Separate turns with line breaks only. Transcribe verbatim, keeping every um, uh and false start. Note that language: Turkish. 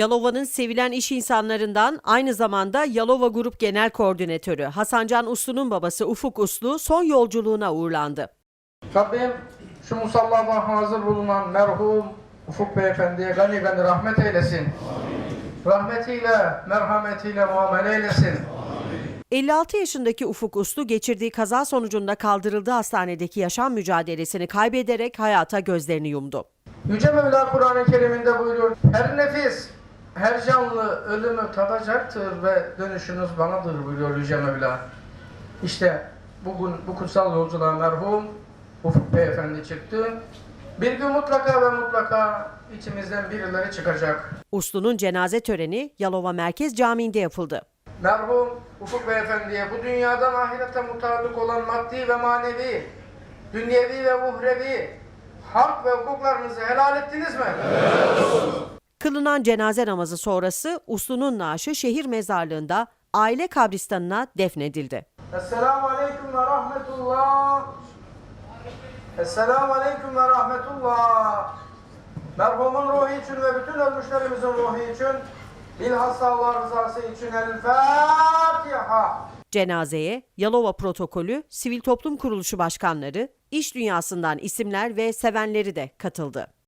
Yalova'nın sevilen iş insanlarından, aynı zamanda Yalova Grup Genel Koordinatörü Hasancan Uslu'nun babası Ufuk Uslu son yolculuğuna uğurlandı.
Rabbim şu musallada hazır bulunan merhum Ufuk Beyefendi'ye gani gani rahmet eylesin. Rahmetiyle, merhametiyle muamele eylesin.
elli altı yaşındaki Ufuk Uslu geçirdiği kaza sonucunda kaldırıldığı hastanedeki yaşam mücadelesini kaybederek hayata gözlerini yumdu.
Yüce Mevla Kur'an-ı Kerim'inde buyuruyor: her nefis, her canlı ölümü tadacaktır ve dönüşünüz banadır buyuruyor Yüce Mevla. İşte bugün bu kutsal yolculuğa merhum Ufuk Beyefendi çıktı. Bir gün mutlaka ve mutlaka içimizden birileri çıkacak.
Uslu'nun cenaze töreni Yalova Merkez Camii'nde yapıldı.
Merhum Ufuk Beyefendi'ye bu dünyadan ahirete mutallık olan maddi ve manevi, dünyevi ve uhrevi hak ve hukuklarınızı helal ettiniz mi?
Kılınan cenaze namazı sonrası Uslu'nun naaşı şehir mezarlığında aile kabristanına defnedildi.
Esselamu Aleyküm ve Rahmetullah. Esselamu Aleyküm ve Rahmetullah. Merhumun ruhu için ve bütün ölmüşlerimizin ruhu için, bilhassa Allah rızası için El Fatiha.
Cenazeye Yalova Protokolü, Sivil Toplum Kuruluşu başkanları, iş dünyasından isimler ve sevenleri de katıldı.